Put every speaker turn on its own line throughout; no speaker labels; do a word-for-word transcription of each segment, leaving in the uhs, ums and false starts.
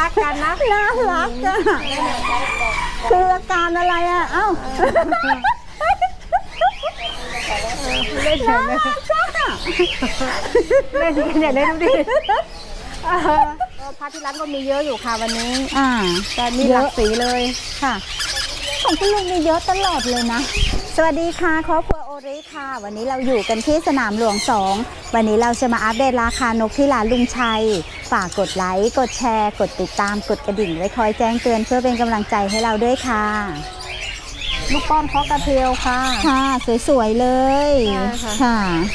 กกันนะ
น่ารักอ่ะคืออาการอะไรอ่ะเอ้า
เล่นน่ารักอ่ะเล่นกันอย่างนี้ดูดิผ้าที่ร้านก็มีเยอะอยู่ค่ะวันนี้
อ่า
แต่มีหลากสีเลย
ค่ะของคุณลุงมีเยอะตลอดเลยนะสวัสดีค่ะครอบครัวโอริค่ะวันนี้เราอยู่กันที่สนามหลวงสองวันนี้เราจะมาอัปเดตราคานกที่ร้านลุงชัยฝากกดไลค์กดแชร์กดติดตามกดกระดิ่งไว้คอยแจ้งเตือนเพื่อเป็นกำลังใจให้เราด้วยค่ะ
ลูกป้อนคอกระเทียวค่ะ
ค่ะสวยๆเลยค่ะ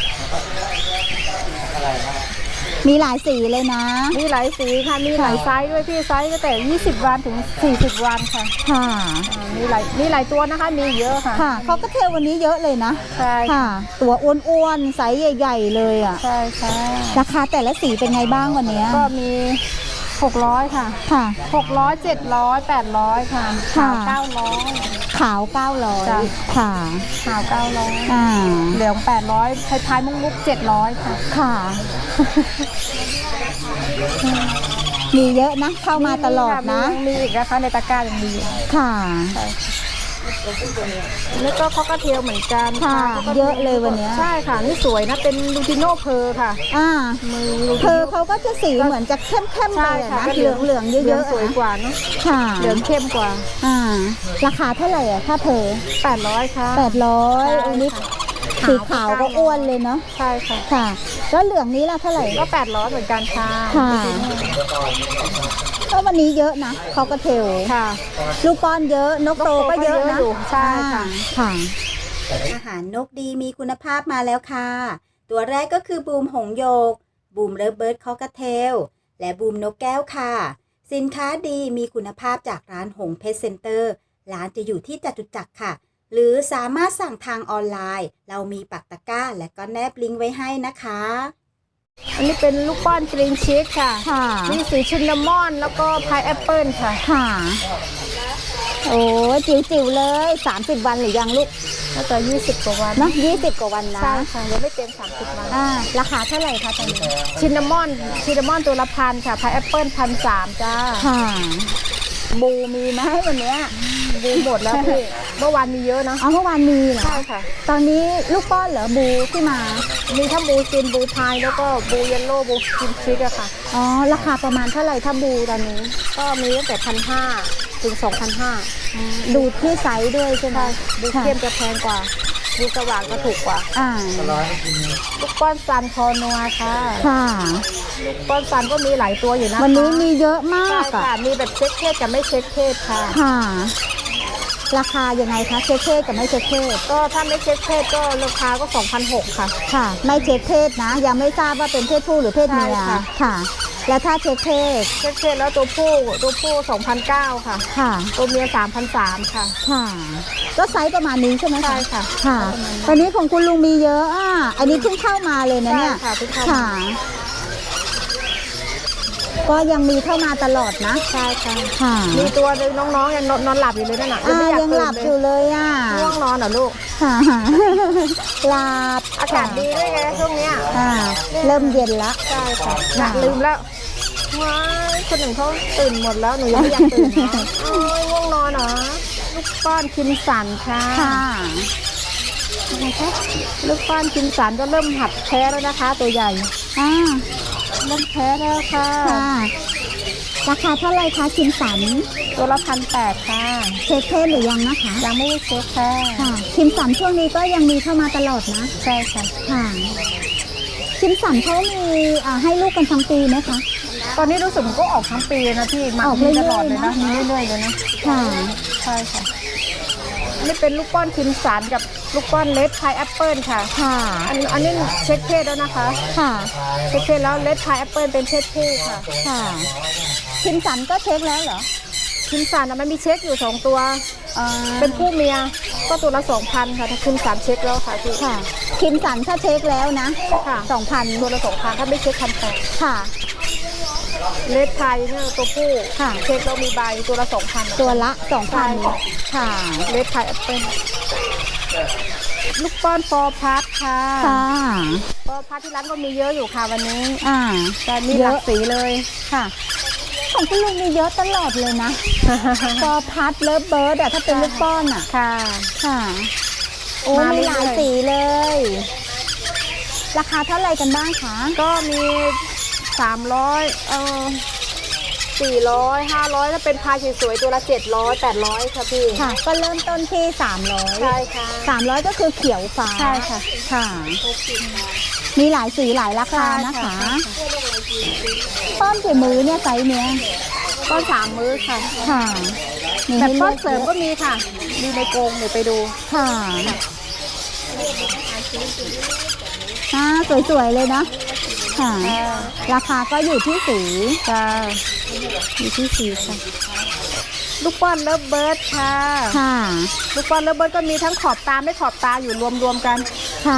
มีหลายสีเลยนะ
มีหลายสีค่ะมีหลายไซส์ด้วยพี่ไซส์ตั้งแต่ยี่สิบวันถึงสี่สิบวันค่ะ
ค่ะ
มีหลายมีหลายตัวนะคะมีเยอะค่ะ
ค่ะเขาก็เทวันนี้เยอะเลยนะ
ใช่
ค่ะตัวอ้วนๆไซส์ใหญ่ๆเลยอ่ะ
ใช่ค่ะ
ราคาแต่ละสีเป็นไงบ้างวันนี้
ก็มีหกร้อยค่ะ
ค่ะ
หกร้อยเจ็ดร้อยแปดร้อยค่ะขาวเก้าร้อย
ขาวเก้าร้อยค่ะ
ขาวเก้าร้อย
อ่า
เหลืองแปดร้อยไทยไทยมุกมุกเจ็ดร้อยค่ะ
ค่ะมีเยอะนะเข้ามาตลอดนะ
มีอีกนะคะในตะกร้ายังมี
ค่ะ
แล้วก็คอกระเทียวเหมือนกัน
ค่ะเยอะเลยวันนี้
ใช่ค่ะนี่สวยนะเป็นลูติโน่เพอร์ค่ะ
อ่าเพอร์เขาก็จะสีเหมือนจะเข้มเข้มไปนะเหลืองเหลืองเยอะ
ๆสวยกว่าเนาะ
ค่ะ
เหลืองเข้มกว่า
อ่าราคาเท่าไหร่อ่ะถ้าเพอร์
แปดร้อยค่ะ
แปดร้อยอันนี้สีขาวก็อ้วนเลยเนาะ
ใช่ค่ะ
ค่ะแล้วเหลืองนี้ล่ะเท่าไหร่
ก็แปดร้อยเหมือนกันค่ะ
ค่ะก็วันนี้เยอะนะเขาก็เทล
ค่ะ
ลูกป้อนเยอะนกโตก็เยอะนะ
ใช่ค่ะ
ค่ะอาหารนกดีมีคุณภาพมาแล้วค่ะตัวแรกก็คือบูมหงโยกบูมเลิฟเบิร์ดคอกเทลและบูมนกแก้วค่ะสินค้าดีมีคุณภาพจากร้านหงเพชรเซ็นเตอร์ร้านจะอยู่ที่จตุจักรค่ะหรือสามารถสั่งทางออนไลน์เรามีปักตะกร้าและก็แนบลิงก์ไว้ให้นะคะ
อันนี้เป็นลูกป้อนกรีนชีสค่ะมีสีชินนามอนแล้วก็พายแอปเปิลค่ะ
ค่ะโอ้จิ๋วจิ๋วเลยสามสิบวันหรือยังลูก
น่าจะยี่สิบกว่าวัน
นะยี่สิบกว่าวันนะ
ใช่ค่ะยังไม่เต็มสามสิบวัน
อ่าราคาเท่าไหร่คะตอนนี้
ชินนามอนชินนามอนตัวละพันค่ะพายแอปเปิลพันสามจ้า
ค่ะบูมีไหมวันนี้
บูหมดแล้วพี่เมื่อวานมีเยอะนะ
อ๋อเมื่อวานมีเหรอ
ใช่ค่ะ
ตอนนี้ลูกป้อนเหรอบูที่มา
มีทั้งบูซินบูไทยแล้วก็บูเยลโล่บูกินชิกอะค่ะ
อ๋อราคาประมาณเท่าไหร่ถ้าบูตอนนี้
ก็มีตั้งแต่พันห้าถึงสองพันห้า
ดูที่ไซส์ด้วยใช่ไหม
บูเข้มจะแพงกว่าบูสว่างก็ถูกกว่า
อ่า
ลูกป้อนซันคอนัวค่ะ
ค่ะ
ลูกป้อนซันก็มีหลายตัวอยู่นะ
วันนี้มีเยอะมาก
ค่ะมีแบบเช็คเพศกับไม่เช็คเพศค่ะ
ค่ะราคายังไงคะเช็คเพศกับไม่เช็คเพศ
ก็ถ้าไม่เช็คเพศก็ราคาก็ สองพันหกร้อย ค่ะ
ค่ะไม่เช็คเพศนะยังไม่ทราบว่าเป็นเพศผู้หรือเพศเมียค่ะแล้วถ้าเช็คเพศ
เช็คเพศแล้วตัวผู้ตัวผู้ สองพันเก้าร้อย ค่ะ
ค่ะ
ตัวเมีย สามพันสามร้อย ค่ะ
ค่ะก็ไซส์ประมาณนี้ใช่ไหม
ใช่ค่ะ
ค่ะตอนนี้ของคุณลุงมีเยอะอ่ะอันนี้เพิ่งเข้ามาเลยนะเนี่ย
ค่ะเพิ่งเข้า
มาก็ยังมีเข้ามาตลอดนะ
ใช่ค่ะ
ค่ะ
มีตัวนึงน้องๆยังนอนหลับอยู่เลยนั่นน่ะ
ยังหลับอยู่เลยอ่ะ
ง่วงนอนเหรอลูก
ค่ะหลับ
อากาศดีด้วยไงช่วงเนี้ย
เริ่มเย็นแล้ว
ใช่ค่ะน่ะลืมแล้วว้ายคนหนึ่งเขาตื่นหมดแล้วหนูยังไม่อยากตื่นโอ้ยง่วงนอนเหรอลูกป้อนคิมสันค่ะลูกป้อนคิมสันก็เริ่มหัดแพ้แล้วนะคะตัวใหญ่
อ่า
เริ่มแพ้แล้วค่ะ
ราคาเท่าไรคะคิมสัน
ตัวละพันแปดค่ะ
เช็คเพศหรือยังนะคะ
ยังไม่ได้เช็คค่ะ
คิมสันช่วงนี้ก็ยังมีเข้ามาตลอดนะ
ใช่ค่ะ
ค่ะคิมสันเขามีให้ลูกกันทั้งปีไหมคะ
ตอนนี้รู้สึกมันก็ออกทั้งปีนะพี่
ออกตลอดเลยนะ
มีเรื่อยๆเลยนะ
ค่ะ
ใช่ค่ะนี่เป็นลูกป้อนคิมสันกับลูกป้อนเลดพายแอปเปิลค่ะ
ค่ะ
อันอันนี้เช็คเพศแล้วนะคะ
ค่ะ
เช็คเพศแล้วเลดพายแอปเปิลเป็นเพศผู้ค่ะ
ค่ะคิมสันก็เช็คแล้วเหรอ
คิมสันมันมีเช็คอยู่สองตัวเป็นผู้เมียก็ตัวละสองพันค่ะถ้าคิมสันเช็คแล้วค่ะพี่
ค่ะคิมสันถ้าเช็คแล้วนะ
ค่ะ
สองพัน
ตัวละสองพันถ้าไม่เช็คพันแปด
ค่ะ
เลดไทยเนี่ยตัวผู้
ค่ะ
เช็คเรามีใบตัวละสองพัน
ตัวละสองพันค่ะ
เลดไทยแอปเปิ้ลลูกป้อนฟอร์พัทค่ะ
ค่ะ
ฟอร์พัทที่ร้านก็มีเยอะอยู่ค่ะวันนี้
อ่า
แต่มีหลากสีเลย
ค่ะของคุณลุงมีเยอะตลอดเลยนะ พอพัดเลิฟเบิร์ดอะถ้าเป็นลูกป้อนอะ
ค่ะ
ค่ะโอ้
มา
มี
เรื่
ห
อยๆ
ลายสีเลย ราคาเท่าไหร่กันบ้างคะ
ก็มีสามร้อยเออสี่ร้อยห้าร้อยถ้าเป็นพายสวยๆตัวละเจ็ดร้อยแปดร้อยค่ะพี่
ค่ะ ก็เริ่มต้นที่สามร้อย
ใช่ค่ะ
สามร้อยก็คือเขียวฟ้า
ใช่ค่ะ
ค่ะ มีหลายสีหลายราคานะคะ ป้อนกี่มื้อเนี่ยไซส์เนี้ย
ก้อนสามมื้อค่ะ
ค่ะมี
แบบ
ให้
ก้
ลื
อนเสริมก็มีค่ะ มีในกรงเดี๋ยวไปดู
ค่ะอ่าสวยๆเลยนะค่ะ ราคาก็อยู่ที่สี
จ้าอยู่ที่สีค่ะ ลูกป้อนเลิฟเบิร์ดค่ะ
ค่ะ
ลูกป้อนเลิฟเบิร์ดก็มีทั้งขอบตาไม่ขอบตาอยู่รวมๆกัน
ค่ะ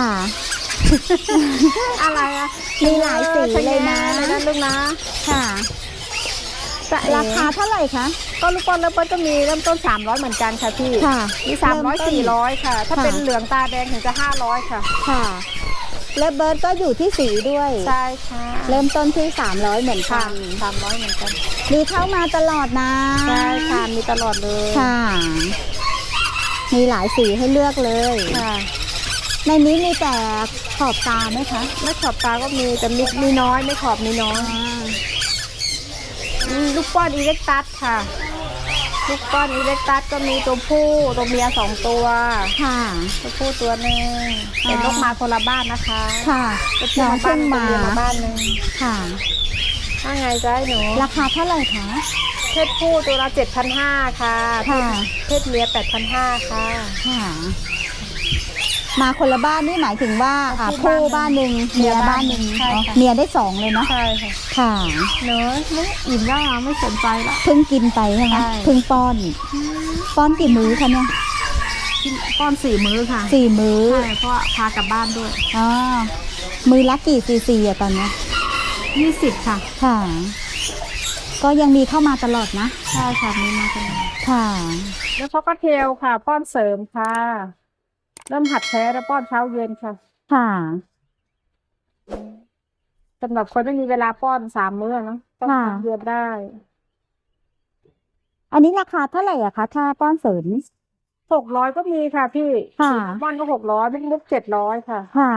อะไรอะ
มีหลายสีเลยนะ
ชเลยนะลูกนะ
ค่ะ
จะเอ๋
ราคาเท่าไหร่คะ
ก็ลูกป้อนเลิฟเบิร์ดก็มีเริ่มต้นสามร้อยเหมือนกันค่ะพี่
ค่ะ
มีสามร้อยสี่ร้อยค่ะ ถ้า
ค่ะ
เป็นเหลืองตาแดงถึงจะห้าร้อยค่ะ
ค่ะเลิฟเบิร์ดก็อยู่ที่สีด้วย
ใช่ค่ะ
เริ่มต้นที่สามร้อยเหมือนกั
ค่ะ
น
สามร้อยเหมือนกัน
มีเข้ามาตลอดนะ
ใช่ค่ะมีตลอดเลย
ค่ะ มีหลายสีให้เลือกเลย
ค่ะ
ในนี้มีแต่ขอบตาไหมคะ
ไม่ขอบตาก็มีแต่มีมีน้อยไม่ขอบมีน้อยมีลูกป้อนอีเล็กตัสค่ะ ลูกป้อนอีเล็กตัสก็มีตัวผู้ตัวเมียสองตัว
ค่ะ
ตัวผู้ตัวหนึ่งเป็นนกมาคนละบ้านนะคะ
ค่ะ
ตัวผู้
น้อง
มาบ้า
เพิ่
น
ง
ตัว
มา
เมียมาบ้านหนึ่ง
ค่ะ
ว่าไงจ๊ะหนู
ราคาเท่าไหร่คะ
เพศผู้ตัวละเจ็ดพันห้าค่ะ
ค่ะ
เพศเมียแปดพันห้าค่ะ
ค่ะ มาคนละบ้านนี่หมายถึงว่าอ่า
คู่
คู่
บ้า
บ้าน น
ห
ห
นึ่
นึ่
ง
งเมียบ้านหนึ่ง
ใช่
อ๋อ
ค่ะ
เมียได้สองเลยเนาะ
ใช่ค่ะ
ค่ะ
เนอะไม่อิ่มแล้วอ่ะไม่สนใจละ
เพิ่งกินไปใช่ไหม
ใช่
เพิ่งป้อน ป้อนกี่มื้อคะเนี่ย
กินก้อนสี่มื้อค่ะ
สี่มื้อ
ใช่เพราะว่าพากลับบ้านด้วย
อ๋อมื้อละกี่ซีซีอะตอนเนี้ย
ยี่สิบค่ะ
ค่ะ ก็ยังมีเข้ามาตลอดนะ
ใช่ค่ะมีมากัน
ค่ะ
แล้วเขาก็เทลค่ะ ป้อนเสริมค่ะ เริ่มหัดแท้แล้วป้อนเช้าเย็นค่ะ
ค่ะ
สำหรับคนไม่มีเวลาป้อนสามมื้อเนอะป้อน
ค่ะ
เช้าเย็นได้
อันนี้ราคาเท่าไหร่อะคะ ถ้าป้อนเสริม
หกร้อยก็มีค่ะพี่
ค่ะ
ป้อนก็หกร้อยเป็นมุกเจ็ดร้อยค่ะ
ค่ะ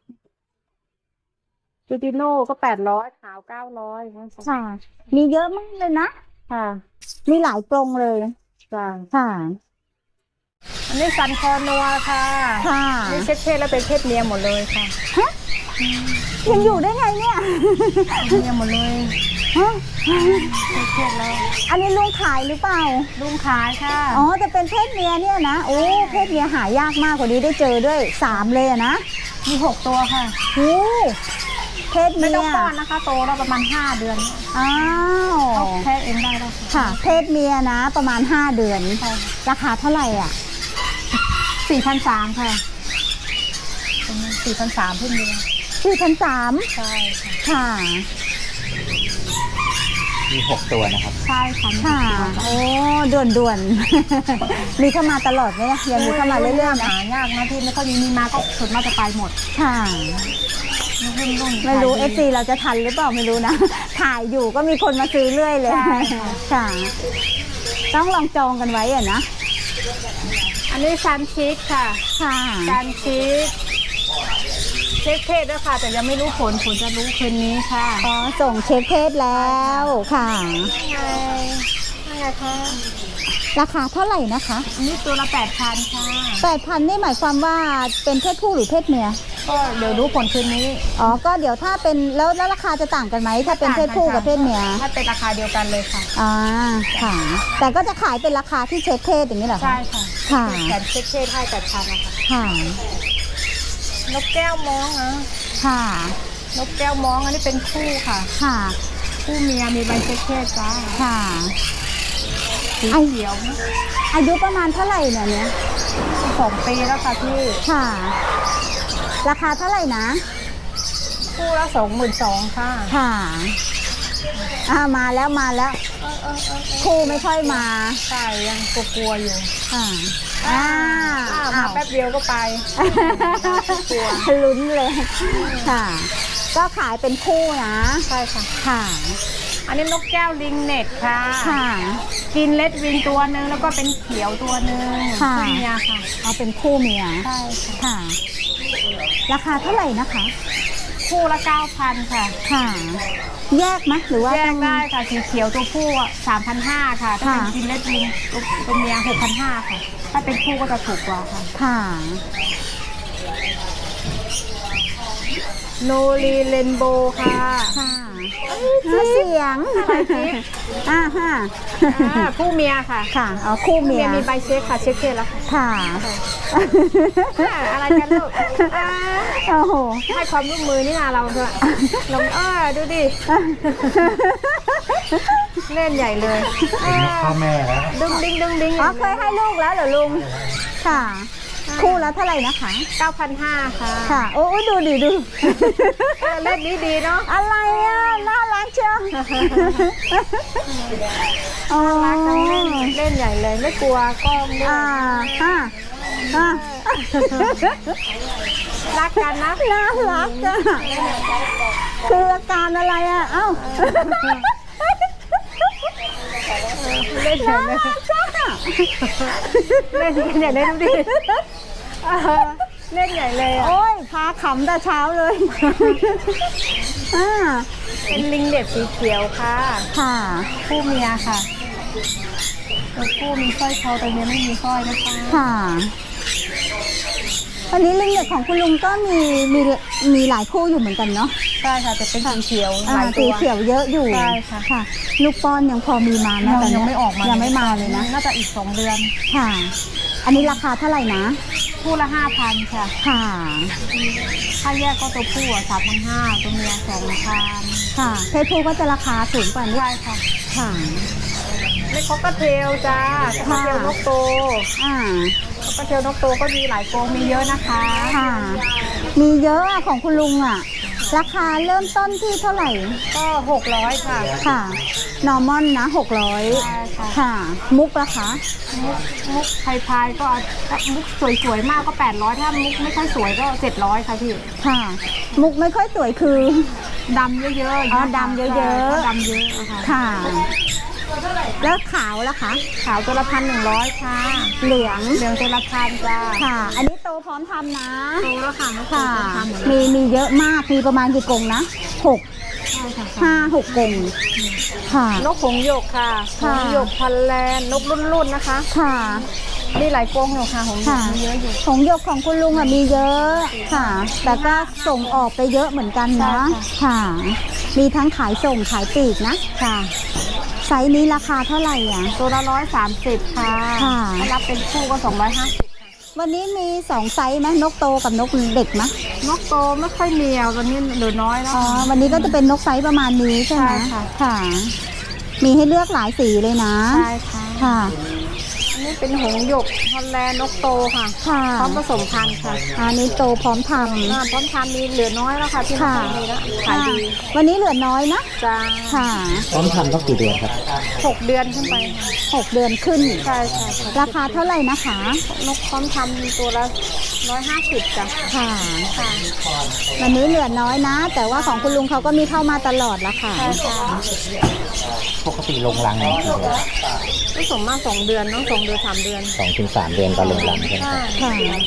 จูติโน่ก็แปดร้อยขาวเก้าร้อย
ค่ะ มีเยอะมากเลยนะ
ค่ะ
มีหลายกรงเลย
จ้ะ
ค่ะ
อันนี้ซันคอนัวค่ะ
ค่ะ
นี่เช็ดเพศแล้วเป็นเพศเมียหมดเลยค่ะ
ยังอยู่ได้ไงเนี่ย
เมียหมดเลย
ฮะ
เช็ดเพศแล้ว
อันนี้ลุงขายหรือเปล่า
ลุงขายค่ะ
อ๋อแต่เป็นเพศเมียเนี่ยนะ โอ้ เพศเมียหายากมากกว่านี้ได้เจอด้วยสามเลยอะนะ
มีหกตัวค่ะ
โอ้เพศ
ไม่
เมีย
ต้องป้อนนะคะ โตแล้วประมาณห้าเดือน
อ้าว
เขาแพ้เองได้แล้ว
ค่ะ เพศเมียนะ ประมาณห้าเดือน
ค่ะ
ราคาเท่าไหร่อ่ะ
สี่พันสามค่ะสี่พันสามเพิ่งเดือน
สี่พันสาม
ใช่ค่ะ
ค่ะ
มีหกตัวนะครับ
ใช่ค่ะ
ค่ะ โอ้ด่วนด่วนๆ มีเข้ามาตลอดไหมเนี่ยยังมีเข้ามาเรื่อยๆนะ
หายากนะที่ไม่ค่อยมีมาก็ส่วนมากจะไปหมด
ค่ะ
รุ่นรุ่น
ไม่รู้เอฟซีเราจะทันหรือเปล่าไม่รู้นะ ถ่ายอยู่ก็มีคนมาซื้อเรื่อยเลย
ใช่ค่ะ
ค่ะ ต้องลองจองกันไว้อะนะ
อันนี้ซันชีสค่ะ
ค่ะ
ซันชีสเช็คเพศด้วยค่ะ แต่ยังไม่รู้ผลผลจะรู้คืนนี้ค่ะ
อ๋อ ส่งเช็คเพศแล้วค่ะ
ไงไงคะ
ราคาเท่าไหร่นะคะ
อันนี้ตัวละแปดพันค่ะ
แปดพันนี่หมายความว่าเป็นเพศผู้หรือเพศเมีย
ก็เดี๋ยวรู้ผลคืนนี้
อ๋อ ก็เดี๋ยวถ้าเป็นแล้วแล้วราคาจะต่างกันไหม ถ้าเป็นเพศผู้กับเพศเมีย
ถ้าเป็นราคาเดียวกันเลยค่ะ
อ่า ค่ะ แต่ก็จะขายเป็นราคาที่เช็คเพศอย่างนี้เหรอคะ
ใช่ค่ะ
ค่ะ
แถมเช็คเพศให้แปดพันนะคะ
ค่ะ
นกแก้วมองนะ
ค่ะ
นกแก้วมองอันนี้เป็นคู่ค่ะ
ค่ะ
คู่เมียมีใบเช็คเพศจ้า
ค่ะ
สีเขียวนะ
อายุประมาณเท่าไหร่เนี่ยเนี่ย
สองปีแล้วค่ะพี่
ค่ะ ราคาเท่าไหร่นะ
คู่ละสองหมื่นสองค่ะ
ค่ะ อ่า มาแล้วมาแล้ว คู่ไม่ค่อยมา
ใช่ยังกลัวๆอยู่
ค่ะ อ่า
อ้าวมา
อ้าว
แป๊บเดียวก็ไป กลัว
ลุ้นเลย ค่ะ ก็ขายเป็นคู่นะ
ใช่ค่ะ
ค่ะ
อันนี้นกแก้วลิงเน็ตค่ะ
ค่ะ
กินเลดวิงตัวหนึ่งแล้วก็เป็นเขียวตัวหนึ่ง
ค่ะ
คู่เมียค่ะ
เอาเป็นคู่เมีย
ใช่ค่ะ
ค่ะ ราคาเท่าไหร่นะคะ
คู่ละเก้าพันค่ะ
ค่ะ แยกไหมหรือว่า
แย
ต้
ก
อง
ได้ค่ะสีเขียวตัวผู้สามพันห้าค่ะถ้าเป็น
ค่ะ
กินเลดวิงตัวเมียหกพันห้าค่ะ ถ้าเป็นคู่ก็จะถูกกว่าค่ะ
ค่ะ
โนรีเรนโบค่ะ
ค่ะเสียงอ่าฮะ
อ่าคู่เมียค่ะ
ค่ะเอาคู่เมีย
มีใบเช็คค่ะเช็คเพศแล้วค่ะ
ค่ะ
อ่าอะไรกันลูกอ่า
โอ้โห
ให้ความร่วมมือนี่นาเราด้วยลองเออดูดิเล่นใหญ่เลย
เป็นนกพ่อแม่แล้ว
ดึงดิ้งดึงดิ้ง
อ๋อเคยให้ลูกแล้วเหรอลุง ค่ะ คู่ละเท่าไหร่นะคะ
เก้าพันห้าค่ะ
ค่ะ โอ้ยดูดิดู
เออเล่นดีดีๆเนาะ
อะไรอ่ะ น่ารักเชียวอ๋อ
รักกันเล่นเล่นใหญ่เลยไม่กลัวกล้องด้วย
อ่าอ่าอ่า
รักกันนะ
น่ารักอ่ะคืออาการอะไรอ่ะ เอ้า
เล่นใหญ่เลย
จ้า
เล่นกันใหญ่เลยดูดิเออเล่นใหญ่เลยอ่ะ
โอ้ยพาขำแต่เช้าเลยอ่า
เป็นลิงเด็กสีเขียวค่ะ
ค่ะ
คู่เมียค่ะตัวคู่มีสร้อยคอตัวเมียไม่มีสร้อยนะคะ
ค่ะ วันนี้ลิงเด็กของคุณลุงก็มีมีมีหลายคู่อยู่เหมือนกันเนาะ
ใช่ค่ะแต่เป็นสีเขียวห
อ่า
ลายตั
สี
ว
เขียวเยอะอยู่
ใช่ค่ะ
ค่ะ ลูกป้อนยังพอมีมานะ
ยัง
แต่
ยังไม่ออกมา
ยังไม่มาเลยนะ
น่าจะอีกสองเดือน
ค่ะ อันนี้ราคาเท่าไหร่นะ
คู่ละห้าพันค่ะ
ค่ะ
ถ้าแยกก็ตัวผู้อ่ะสามพันห้าตัวเมียสองพัน
ค่ะเพศผู้ก็จะราคาสูงกว่านี้
ใช่ค่ะ
ค่ะ
เล็กคอกเทลจ้าคอกเทลนกโต
อ่า
คอกเทลนกโตก็มีหลายโกรงมีเยอะนะคะ
ค่ะ มีเยอะอะของคุณลุงอะราคาเริ่มต้นที่เท่าไหร่
ก็หกร้อยค่ะ
ค่ะ นอร์มอนนะหกร้อย
ใช่ค่ะ
ค่ะ มุกราคา
มุกมุกไทยพายก็ถ้ามุกสวยๆมากก็แปดร้อยถ้ามุกไม่ค่อยสวยก็เจ็ดร้อยค่ะพี่
ค่ะ มุกไม่ค่อยสวยคือ
ดำเยอะๆ
อ๋อดำเยอะๆ
ใช่ดำเยอะอะค่ะ
ค่ะ แล้วขาวล่ะคะ
ขาวตัวละพันหนึ่งร้อยค่ะ
เหลือง
เหลืองตัวละพันจ้า
ค่ะ อันนี้โตพร้อมทำนะ
โตแล้วค่ะไม่โต
ค่ะ
ตัวพันหมด
มี
แล้ว
มีเยอะมาก มีประมาณกี่กรงนะหก
ใช่ค่ะ
ห้าหกกรงค่ะ
นกหงส์หยกค่ะห
ค่ะ
งส์หยกพันแลนด์นกรุ่นๆนะคะ
ค่ะ
มีหลายกรงอยู่ค่ะหงส์หย
ค่ะ
กมีเยอะอยู่
ของหยกของคุณลุงอะมีเยอะค่ะ แต่ก็ส่งออกไปเยอะเหมือนกันนะ ค่ะ มีทั้งขายส่งขายปลีกนะ ค่ะ ไซส์นี้ราคาเท่าไหร่อ่ะ
ตัวละร้อยสามสิบค่ะ
ค่ะ
ถ้ารับเป็นคู่ก็สองร้อยห้าสิบ
วันนี้มีสองไซส์ไหมนกโตกับนกเด็กไหม
นกโตไม่ค่อยมีอ่ะตอนนี้เหลือน้อยแล้ว
อ๋อ วันนี้ก็จะเป็นนกไซส์ประมาณนี้ใช่ไหม
ใช่ค่ะ
ค่ะ มีให้เลือกหลายสีเลยนะ
ใช่ค่ะ
ค่ะ
อันนี้เป็นหงส์หยกฮอลแลนด์นกโตค่ะ
ค่ะ
พร้อมผสมพันธุ์ค่ะ
อันนี้โตพร้อมท
อ่าพร้อมทำมีเหลือน้อยแล้วค่ะที่
ำ
ไม่
ค่ะ
ค่อยมีแล้ว
ค่ะ
ขายดี
วันนี้เหลือน้อยนะ
จ้า
ค่ะ
พร้อมทำต้องกี่เดือนครับ
หกเดือนขึ้นไปค่ะ
หกเดือนขึ้น
ใช่ใช่ค่ะ
ราคาเท่าไหร่นะคะ
นกพร้อมทำตัวละร้อยห้าสิบจ้ะ
ค่ะ
ค่ะ
วันนี้เหลือน้อยนะ แต่ว่าของคุณลุงเขาก็มีเข้ามาตลอดละค่ะ
ใช่ค่ะ
ปกติลงรังเนี่ยกี่เดือน
ไม่สมมาสองเดือนเน้องสองเดือนสามเดือน
สองถึงสามเดือนก็ลงรังใช่ไหม
ใช่
ครับ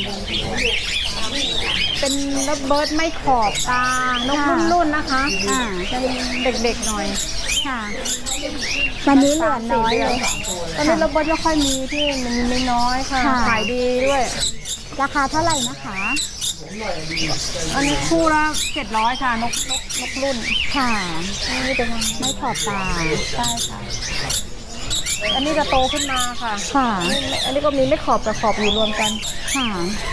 เป็นระเบิดไม่ขอบตานกรุ่นๆนะคะ
อ่า
เป็นเด็กๆหน่อย
ค่ะ วันนี้เหลือน้อยเลย
ตอนนี้ระเบิดไม่ค่อยมีที่มันมีน้อยค่ะ
ค่ะ
ขายดีด้วย
ราคาเท่าไหร่นะคะ
อันนี้คู่ละเจ็ดร้อยค่ะนกนกนกรุ่น
ค่ะ
นี่เป็น
ไม่ขอบตา
ใช่ค่ะ อันนี้จะโตขึ้นมาค่ะ
ค่ะ
อันนี้ก็มีไม่ขอบกับขอบอยู่รวมกัน
ค่ะ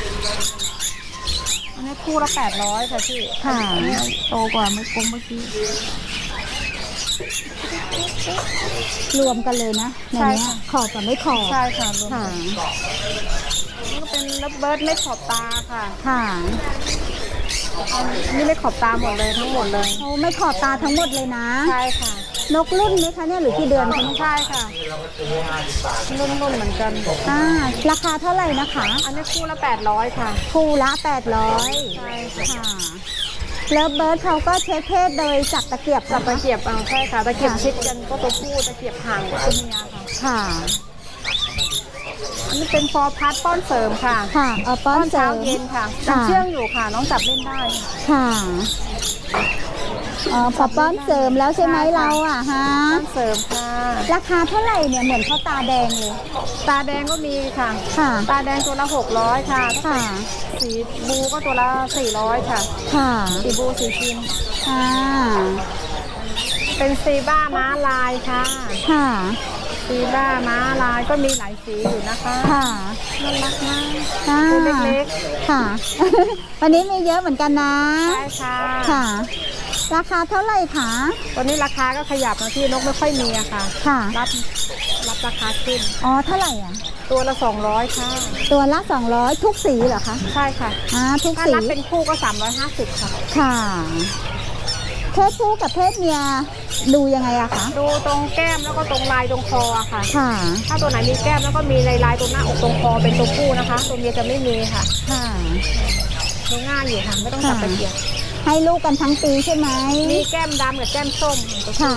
อันนี้คู่ละแปดร้อยค่ะพี่
ค่ะ
อันนี้โตกว่าเมื่อกี้เมื่อกี้
รวมกันเลยนะใน
ใช่
เนี้ย
ค่ะ
ขอบกับไม่ขอบ
ใช่ค่ะรวม
ค่ะ
กันนี่ก็เป็นระเบิดไม่ขอบตาค่ะ
ค่ะ
อันนี้ไม่ขอบตาหมดเลยทั้งหมดเลย
โอ้ไม่ขอบตาทั้งหมดเลยนะ
ใช่ค่ะ
นกรุ่นไหมคะเนี่ยหรือกี่เดือนคะเนี่ย
ใช่ค่ะรุ่นๆเหมือนกัน
อ่า ราคาเท่าไหร่นะคะ
อันนี้คู่ละแปดร้อยค่ะ
คู่ละแปดร้อย
ใช่ค่ะ
ค่ะแล้วเบิร์ดเขาก็เช็คเพศโดยจับตะเกียบ
จับตะ
นะคะ
เกียบเอาใช่ค่ะตะเกียบชิดกันก็ตัวผู้ตะเกียบห่างกว่าตัวเมียค่ะ
ค่ะ
อันนี้เป็นฟอร์พัดป้อนเสริมค่ะ
ค่ะเอาป้
ป้
อ
อน น
เสริ
เช้าม เย็นค่ะ
ค่ะ
ยังเชื่องอยู่ค่ะ น้องจับเล่นได้
ค่ะอ๋อพอป้อนเสริมแล้วใช่ไหม
ใช่ค่ะ
เราอ่ะฮะ
ป้อนเสริมค่ะ
ราคาเท่าไหร่เนี่ยเหมือนเขาตาแดงเลย
ตาแดงก็มีค่ะ
ค่ะ
ตาแดงตัวละหกร้อยค่ะ
ค่ะ
สีบูก็ตัวละสี่ร้อยค่ะ
ค่ะ
สีบูสีครีม
ค่ะ
เป็นซีบ้าม้าลายค่ะ
ค่ะ
ซีบ้าม้าลายก็มีหลายสีอยู่นะคะ
ค่ะ
น่ารักมาก
ค่ะ
ตัวเล็ก
ค่ะ วันนี้มีเยอะเหมือนกันนะ
ๆใช่ค่ะ
ค่ะ ราคาเท่าไหร่คะ
ตัวนี้ราคาก็ขยับนะที่นกไม่ค่อยมีอะค่ะ
ค่ะ
รับรับราคาขึ้น
อ๋อเท่าไหร่อ่ะ
ตัวละสองร้อยค่ะ
ตัวละสองร้อยทุกสีเหรอคะ
ใช่ค่ะ
อ่าทุก
ถ้า
สี
รับเป็นคู่ก็สามร้อยห้าสิบค่ะ
ค่ะเพศผู้กับเพศเมียดูยังไงอะคะ
ดูตรงแก้มแล้วก็ตรงลายตรงคออะค่ะ
ค่ะ
ถ้าตัวไหนมีแก้มแล้วก็มีลายลายๆตรงหน้าอกตรงคอเป็นตัวผู้นะคะ ตัวเมียจะไม่มีค่ะ
ค่ะ
ดูง่ายอยู่ค่ะ ไม่ต้องจับตะเกียบ
ให้ลูกกันทั้งปีใช่ไหม
มีแก้มดำกับแก้มส้มตัวผู้
ค่ะ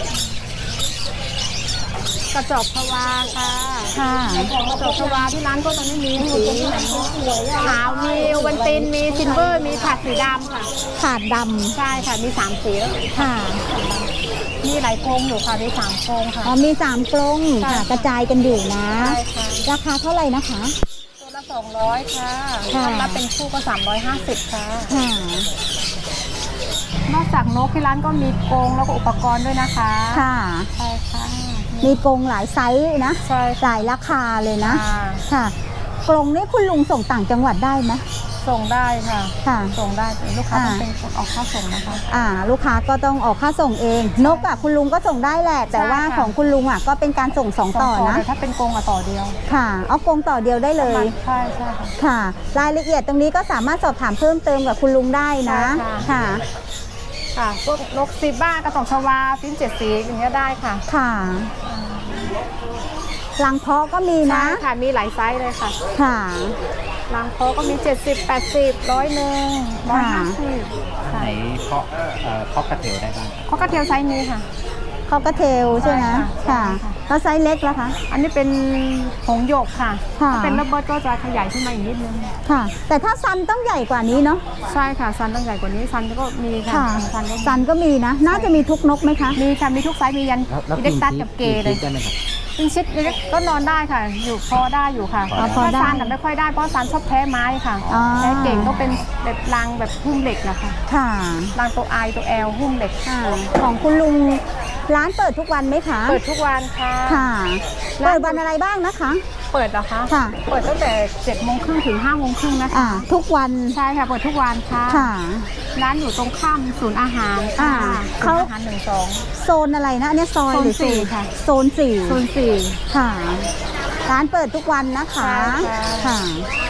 กระจอกพวาค่ะ
ค่ะ
กระจอกพวาที่ร้านก็ตอนนี้มีสีขาวมีโอวันตินมีซิลเวอร์มีผัดสีดำค่ะ
ขาดด
ใช่ค่ะมีสามสีแล้ว
ำค่ะ
มีหลายโครงอยู่ค่ะมีสามโครงค่ะ
อ๋อมีสามกรง
ใช่
ค่ะ กระจายกันอยู่นะ
ใช่ค่ะ
ราคาเท่าไหร่นะคะ
ตัวละสองร้อยค่ะ
ค่ะ
ถ้ารับเป็นคู่ก็สามร้อยห้าสิบค่ะ
ค่ะ
นอกจากนกที่ร้านก็มีกรงแล้วก็อุปกรณ์ด้วยนะคะ
ค่ะ
ใช่ค่ะ
มีกรงหลายไซส์นะ
ใช่
หลายราคาเลยนะ
ค่ะ
ค่ะ กรงนี้คุณลุงส่งต่างจังหวัดได้ไหม
ส่งได้ค่ะ
ค่ะ
ส่งได้แต่ลูกค้า
อ่า
ต้องเป็นคนออกค่าส่งนะคะ
อ่า ลูกค้าก็ต้องออกค่าส่งเอง นกอ่ะคุณลุงก็ส่งได้แหละ แต่ว่า
ใช่ค่ะ
ของคุณลุงอ่ะก็เป็นการส่งสองต่อ
ส่ง
นะ
แต่ถ้าเป็นกรงอะต่อเดียว
ค่ะ เอากรงต่อเดียวได้เลย
ใช่ใช่ค่ะ
ค่ะ รายละเอียดตรงนี้ก็สามารถสอบถามเพิ่มเติมกับคุณลุงได้นะ
ใช่ค่ะ
ค่ะ
ค่ะพวกนกซีบ้ากระสองชวาฟินเจ็ดสีอย่างเงี้ยได้ค่ะ
ค่ะลังเพาะก็มี
ใช่
นะ
ค่ะมีหลายไซส์เลยค่ะ
ค่ะ
รังโคก็มีเจ็ดสิบ แปดสิบ ร้อยหนึ่งร้อยห้าสิบ
ไหนเพาะเอ่อเพาะกระเทียวได้บ้างครับ
เขากระเทียวไซส์นี้ค่ะ
เขาก็เทลใช่ไหม
ใช่
ค่ะ
ค่ะ
แล้วไซส์เล็กล่ะคะ
อันนี้เป็นหงส์หยกค่ะ
ค่ะ
ถ้าเป็นระเบิดก็จะขยายขึ้นมาอีกนิดนึง
ค่ะ แต่ถ้าซันต้องใหญ่กว่านี้เนาะ
ใช่ค่ะซันต้องใหญ่กว่านี้ซันก็มีค่ะ
ค่ะ
ซันก็มี
ซันก็มีนะ น่าจะมีทุกนกไหมคะ
มีค่ะมีทุกไซส์มียัน
แล้วแล้ว
อิเล็กตัสกับเกย์เลย
ได้ไหมครับ
อินชิดอิเล็กก็นอนได้ค่ะ อยู่พอได้อยู่ค่ะ
อ๋อ
พอได้
ถ้าซันน่ะไม่ค่อยได้เพราะซันชอบแพ้ไม้ค่ะ
อ๋อ
แพ้เก่งก็เป็นแบบรังแบบหุ้มเหล็กนะคะ
ค่ะ
รังตัวไอตัวแอลหุ้มเหล็ก
ค่ะ ของคุณลุงร้านเปิดทุกวันไหมคะ
เปิดทุกวันค่ะ
ค่ะ เปิดวันอะไรบ้างนะคะ
เปิดเหรอคะ
ค่ะ
เปิดตั้งแต่เจ็ดโมงครึ่งถึงห้าโมงครึ่งนะคะ
อ่า ทุกวัน
ใช่ค่ะ เปิดทุกวันค่ะ
ค่ะ
ร้านอยู่ตรงข้ามศูนย์อาหารค่ะ
อ่า
ศู
เขา
นย์อาหารหนึ่งสอง
โซนอะไรนะอันเนี้ยซอย
โซน
หรือ
สี่ค่ะ
โซนสี่
โซนสี่
ค่ะ ร้านเปิดทุกวันนะคะ
ใช่ค่ะ
ค่ะ